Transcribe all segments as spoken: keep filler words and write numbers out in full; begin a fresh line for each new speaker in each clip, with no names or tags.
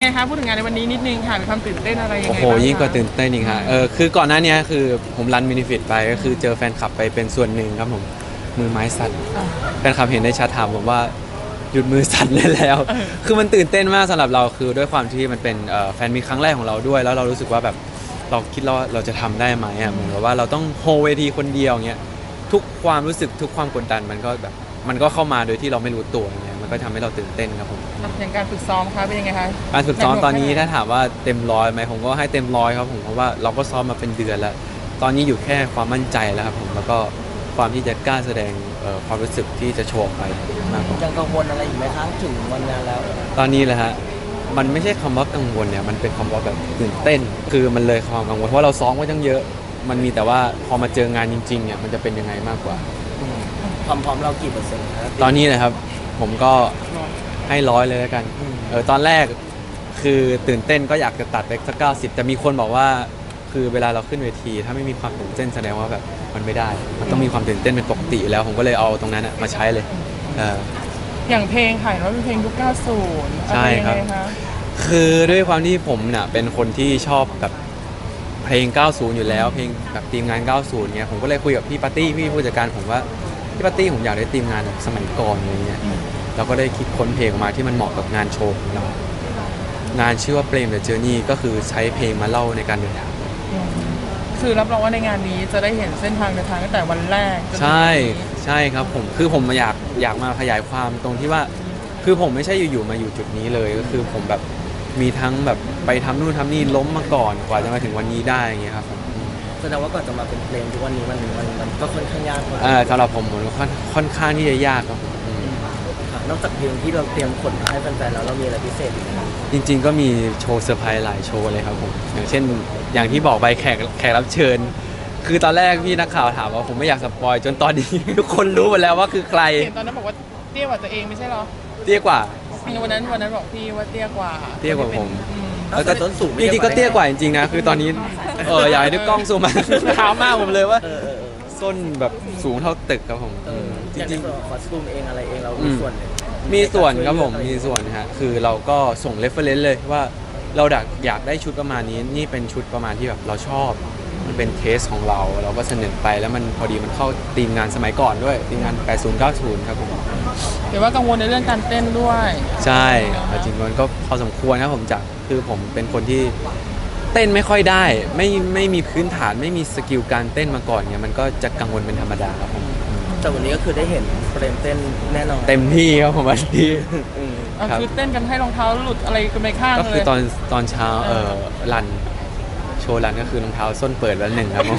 คะพูดถึงงานในวันนี้นิดนึงค่ะมีความตื่นเต้นอะไรยังไง
โอ้โหยิ่งกว่าตื่นเต้นอีกฮะเออคือก่อนหน้านี้คือผมรันมินิฟิตไปก็คือเจอแฟนคลับไปเป็นส่วนหนึ่งครับผมมือไม้สั่นแฟนคลับเห็นในแชทถามผมว่าหยุดมือสั่นได้แล้ว คือมันตื่นเต้นมากสำหรับเราคือด้วยความที่มันเป็นแฟนมีครั้งแรกของเราด้วยแล้วเรารู้สึกว่าแบบเราคิดว่าเราจะทำได้ไหมอ่ะเหมือนกับว่าเราต้องโฮเวทีคนเดียวเงี้ยทุกความรู้สึกทุกความกดดันมันก็แบบมันก็เข้ามาโดยที่เราไม่รู้ตัวเงี้ยมันก็ทำให้เราตื่นเต้นครับผม
อย่างการฝึกซ้อมคะเป็นยังไงคะ
การฝึกซ้อมตอนนี้ถ้าถามว่าเต็มร้อยไหมผมก็ให้เต็มร้อยครับผมเพราะว่าเราก็ซ้อมมาเป็นเดือนแล้วตอนนี้อยู่แค่ความมั่นใจแล้วครับผมแล้วก็ความที่จะกล้าแสดงความรู้สึกที่จะโชว์ไปมากกว่า
ยังกังวลอะไรอีกไหมคะถึงวันงานแล้ว
ตอนนี้แหละฮะมันไม่ใช่คำว่ากังวลเนี่ยมันเป็นคำว่าแบบตื่นเต้นคือมันเลยความกังวลเพราะเราซ้อมไว้ตั้งเยอะมันมีแต่ว่าพอมาเจองานจริงๆเนี่ยมันจะเป็นยังไงมากกว่า
ความพร้อมเรากี่เปอร์เซ็นต์ครับ
ตอนนี้นะครับผมก็ให้ร้อยเลยแล้วกันเออตอนแรกคือตื่นเต้นก็อยากจะตัดไปสักเก้าสิบแต่มีคนบอกว่าคือเวลาเราขึ้นเวทีถ้าไม่มีความตื่นเต้นแสดงว่าแบบมันไม่ได้มันต้องมีความตื่นเต้นเป็นปกติอยู่แล้วผมก็เลยเอาตรงนั้นมาใช้เลยเออ
อย่างเพลงค่ะว่าเป็นเพลงยุคเก้าสิบ
ใช่ครับ
อะไยังไงะ
คือด้วยความที่ผมเนี่ยเป็นคนที่ชอบแบบเพลง เก้าสิบ อยู่แล้วเพลงแบบทีมงาน เก้าสิบ เนี่ยผมก็เลยคุยกับพี่ปาร์ตี้พี่ผู้จัดการผมว่าพี่ปาร์ตี้ผมอยากได้ทีมงานแบบสมัยก่อนอะไรเงี้ยเราก็ได้คิดค้นเพลงออกมาที่มันเหมาะกับงานโชว์ของเรางานชื่อว่าเปรมเดอะเจอร์นี่ก็คือใช้เพลงมาเล่าในการเดินทาง
คือรับรองว่าในงานนี้จะได้เห็นเส้นทางเดินทางตั้งแต่วันแรกจนถึง
ใช่
วันนี้
ใช่ครับผมคือผมอยากอยากมาขยายความตรงที่ว่าคือผมไม่ใช่อยู่ๆมาอยู่จุดนี้เลยก็คือผมแบบมีทั้งแบบไปทำนู่นทำนี่ล้มมาก่อนกว่าจะมาถึงวันนี้ได้อย่างเงี้ยครับผม
แสดงว่าก่อนจะมาเป็นเพลงทุกวันนี้มันมันมันก็ค่อนข้างยากกว่า
เอ่อสำหรับผมผมค่อนค่อนข้างที่จะยากครับผมอืม
ค่ะนอกจากเพลงที่เราเตรียมขนมาให้แฟนๆแล้วเรามีอะไรพิเศษอีกไหม
จริงๆก็มีโชว์เซอร์ไพรส์หลายโชว์เลยครับผมอย่างเช่นอย่างที่บอกไปแขกแขกรับเชิญ คือตอนแรกพี่นักข่าวถามว่าผมไม่อยากสปอยจนตอนนี้ ทุกคนรู้หมดแล้วว่าคือใคร
เห็นตอนนั้นบอกว่าเตี้ยกว่าตัวเองไม่ใช่เหรอ
เตี้ยกว่า
วันนั้นวันนั้นบอกพี่ว่าเตี้ยกว่า
เตี้ยกว่าผม
อืม
แล้วก็ต้นสูง
จริงๆก็เตี้ยกว่าจริงๆนะคือตอนนี้เอออยากให้ดูกล้องซูมมา ถามมากผมเลยว่า
เออเออเออ
ส้นแบบสูงเท่าตึกครับผม
เออ
จ
อย่างใน
ริง
ส่วนของคอสตูมเองอะไรเองเรา
อื
มี
ม
ส่วนไหม
ๆมีส่วนครับผมมีส่วนฮะคือเราก็ส่งเรฟเฟรนซ์เลยว่าเราอยากอยากได้ชุดประมาณนี้นี่เป็นชุดประมาณที่แบบเราชอบมันเป็นเทสของเราเราก็เสนอไปแล้วมันพอดีมันเข้าทีมงานสมัยก่อนด้วยทีมงานแปดสิบ เก้าสิบครับผม
เดี๋ยวว่ากังวลในเรื่องการเต้นด้วย
ใช่จริงๆมันก็พอสมควรนะผมจากคือผมเป็นคนที่เต้นไม่ค่อยได้ไม่ไม่มีพื้นฐานไม่มีสกิลการเต้นมาก่อนเนี่ยมันก็จะกังวลเป็นธรรมดาครับผม
แต่วันนี้ก็คือได้เห็นเฟรมเต้นแน่นอน
เต็มที่ครับผมวันนี้
อืม
เอา
ครับ
คือเต้นกันให้รองเท้าหลุดอะไรกันไปข้าง
ก็
เล
คือย ตอนตอนเช้าเออรันโชว์รันก็คือรองเท้าส้นเปิดแล้วหนึ่งครับผม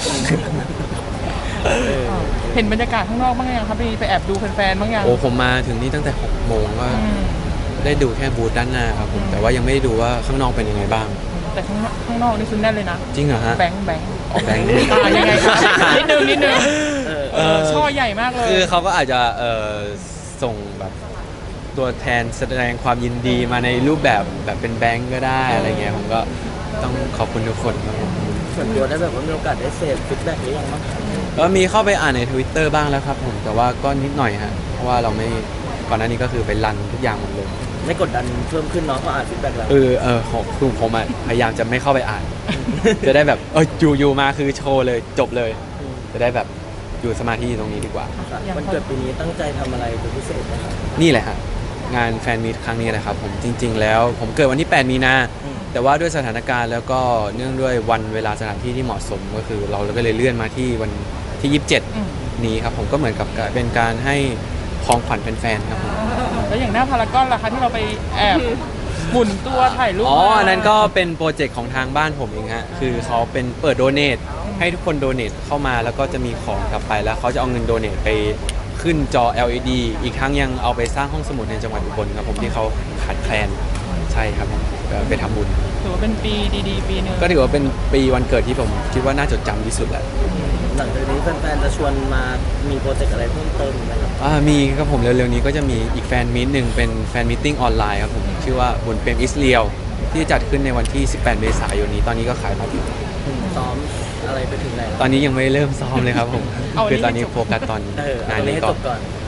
เห็นบรรยากาศข้างนอกบ้างยังครับไปไปแอบดูแฟนๆบ้างยัง
โอ้ผมมาถึงนี่ตั้งแต่หกโมงก็
อืม
ได้ดูแค่บูธด้านหน้าครับผมแต่ว่ายังไม่ได้ดูว่าข้างนอกเป็นยังไงบ้าง
แต่ข้างนอกข้างนอกนี่คือแน่นเลยนะ
จริงเหรอฮะ
แบงค์แบงค์
ออกแบงค์
อ่ายังไงครับนิดนึงนิดนึง
เออ
เออช่อใหญ่มากเลย
คือเขาก็อาจจะเอ่อส่งแบบตัวแทนแสดงความยินดีมาในรูปแบบแบบเป็นแบงก์ก็ได้อะไรเงี้ยผมก็ต้องขอบคุณทุกคนครับผม
ส่วนตัวได้แบบว่ามีโอกาสได้เสพฟีดแบ็กหรือยังบ้างคะ
ก็มีเข้าไปอ่านใน Twitter บ้างแล้วครับผมแต่ว่าก็นิดหน่อยฮะเพราะว่าเราไม่ก่อนหน้านี้ก็คือไปรันทุกอย่างหมดเลย
ไม่กดดันเพิ่มขึ้นเนาะเพราะอ่านฟีดแบ็กแล้ว
เออเออของคือผมอ่ะพยายามจะไม่เข้าไปอ่าน จะได้แบบเอออยู่อยู่มาคือโชว์เลยจบเลย จะได้แบบอยู่สมาธิอยู่ตรงนี้ดีกว่า
วันเกิดปีนี้ตั้งใจทำอะไรเป็นพิเศษไหมครับ
นี่แหละฮะงานแฟนมีตครั้งนี้นะครับผมจริง ๆ แล้วผมเกิดวันที่แปดมีนา
อืม
แต่ว่าด้วยสถานการณ์แล้วก็เนื่องด้วยวันเวลาสถานที่ที่เหมาะสมก็คือเราก็เลยเลื่อนมาที่วันที่ยี่สิบเจ็ด
อืม
นี้ครับผมก็เหมือนกับเป็นการให้ของขวัญแฟนๆครับผม
แล้วอย่างหน้าพารากอนล่ะคะที่เราไปแอบหมุนตัวถ่ายรูป
อ๋อ
มา
อันนั้นก็เป็นโปรเจกต์ของทางบ้านผมเองฮะคือเขาเป็นเปิดโดเนทให้ทุกคนโดเนทเข้ามาแล้วก็จะมีของกลับไปแล้วเขาจะเอาเงินโดเนทไปขึ้นจอ แอล อี ดี อีกทั้งยังเอาไปสร้างห้องสมุดในจังหวัดอุบลครับผมที่เขาขาดแคลนใช่ครับก็ไปทำบุญ
ถือว่าเป็นปีดีๆ ปีหนึ่ง
ก็ถือว่าเป็นปีวันเกิดที่ผมคิดว่าน่าจดจำที่สุดแหละ
หลังจากนี้แฟนๆจะชวนมามีโปรเจกต์อะไรเพิ่มเติมอีกไหมครับ
อ่ามีครับผมเร็วๆนี้ก็จะมีอีกแฟนมีตหนึ่งเป็นแฟนมีตติ้งออนไลน์ครับผมชื่อว่าบุญเปรมอิสเรียลที่จัดขึ้นในวันที่สิบแปดเมษายนนี้ตอนนี้ก็ขายบัตรอยู่
ซ้อมอะไรไปถึงไหนแล้ว
ตอนนี้ยังไม่เริ่มซ้อมเลยครับผมคือตอนนี้โฟกัสตอน
เออเอา
งาน
ตัวนี้
นี้
ให้
ก่
จ
อน
บก่อน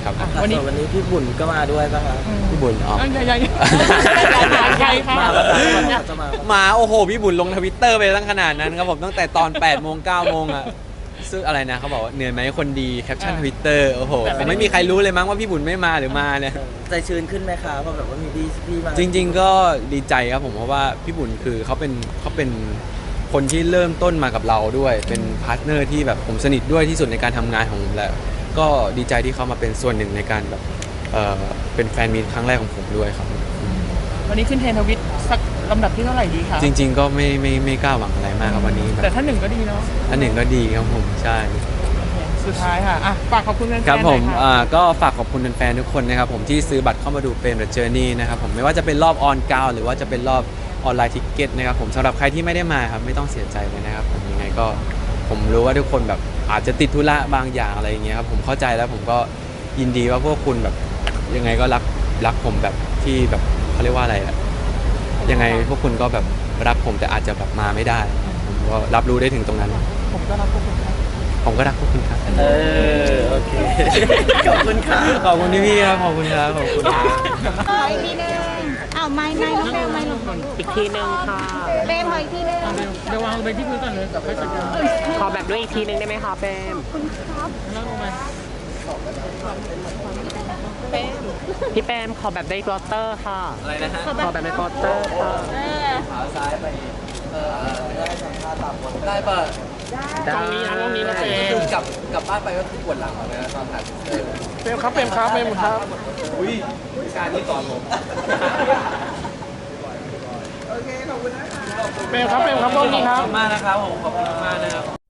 ครับ
อ่ะ
วั
วัน น
นี้
นี้
วันนี้พี่บุญก็มาด้วยป่ะครับ
พี่บุญอ๋อ
เอ้ยยังยังยังใครค่ะ
มาป่ะครับจะมา
มาโอ้โหพี่บุญลงทวิตเตอร์ไปตั้งขนาดนั้นครับผมตั้งแต่ตอนแปดโมงเก้าโมงอะซึ่งอะไรนะเขาบอกว่าเหนื่อยไหมคนดีแคปชั่นทวิตเตอร์โอ้โหผมไม่มีใครรู้เลยมั้งว่าพี่บุญไม่มาหรือมาเนี่ย
ใจชื้นขึ้นไหมคะเพราะแบบว่ามีพี่พี่มา
จริง ๆ ก็ดีใจครับผมเพราะว่าพี่บุญคือเขาเป็นเขาเป็นคนที่เริ่มต้นมากับเราด้วย เป็นพาร์ทเนอร์ที่แบบผมสนิทด้วยที่สุดในการทำงานของผมแล้วก็ดีใจที่เขามาเป็นส่วนหนึ่งในการแบบเออเป็นแฟนมีตครั้งแรกของผมด้วยครับ
วันนี้ขึ้นเทรนด์ทวิตสักลำดับที่เท่าไหร่ดีคะ
จริง ๆ ก็ไม่ไม่ไม่กล้าหวังอะไรมากครับวันนี้แบ
แต่
บ
ถ้าหนึ่งก็ดีเนาะ
อันหนึ่งก็ดีครับผมใช่
สุดท้ายค่ะอ่ะฝากขอบคุณแฟนๆ
ครับผม
หน่อย
อ่าก็ฝากขอบคุณแฟนๆทุกคนนะครับผมที่ซื้อบัตรเข้ามาดูเป็น The Journey นะครับผมไม่ว่าจะเป็นรอบออนกราวหรือว่าจะเป็นรอบออนไลน์ทิกเก็ตนะครับผมสำหรับใครที่ไม่ได้มาครับไม่ต้องเสียใจเลยนะครับผมยังไงก็ผมรู้ว่าทุกคนแบบอาจจะติดธุระบางอย่างอะไรอย่างเงี้ยครับผมเข้าใจแล้วผมก็ยินดีว่าพวกคุณแบบยังไงก็รักรักผมแบบที่แบบเขาเรียกว่าอะไรอะยังไงพวกคุณก็แบบรักผมแต่อาจจะแบบมาไม่ได้ผมก็รับรู้ได้ถึงตรงนั้น
ผมก็รักพวกคุณครับ
ผมก็รักพวกคุณครับ
เออโอเคขอบคุณค่ะ
ขอบคุณพี่ๆครับขอบคุณครับขอบคุณครับ
ขออีกทีหนึงอ้าวไม่ไม่ลูกแมวไม่ลูก
อีกทีหนึ่งค่ะ
เบมขออีกทีหนึง
เอาเดี๋ยวเดี๋ยววางลงไปที่พื้นก่อนเลยกับค่อยจัดการ
ขอแบบด้วยอีกทีหนึ่งได้ไหมคะเปม
แล้วลงไป
พี่เปมขอแบบด้วยกลอตเตอร์ค่ะ
อะไรนะฮะ
ขอแบบในกลอตเตอร์ค่ะ
ขาซ้ายไปเออได้สัมภาษณ์ตามคนได้ป่ะ
ตรงนี้นะตรงนี้นะเป
คื
ม
อกลับกลับบ้านไปก็คือปวดหลังเลยนะตอนถ่ายเออ
เปมครับเปมครับเปมครับ
อุ้ยการที่สอนผม
เปมครับเปมครับตรงนี้ค
ข
รั
อบบ คุณมากนะครับผมขอบคุณมากนะครับ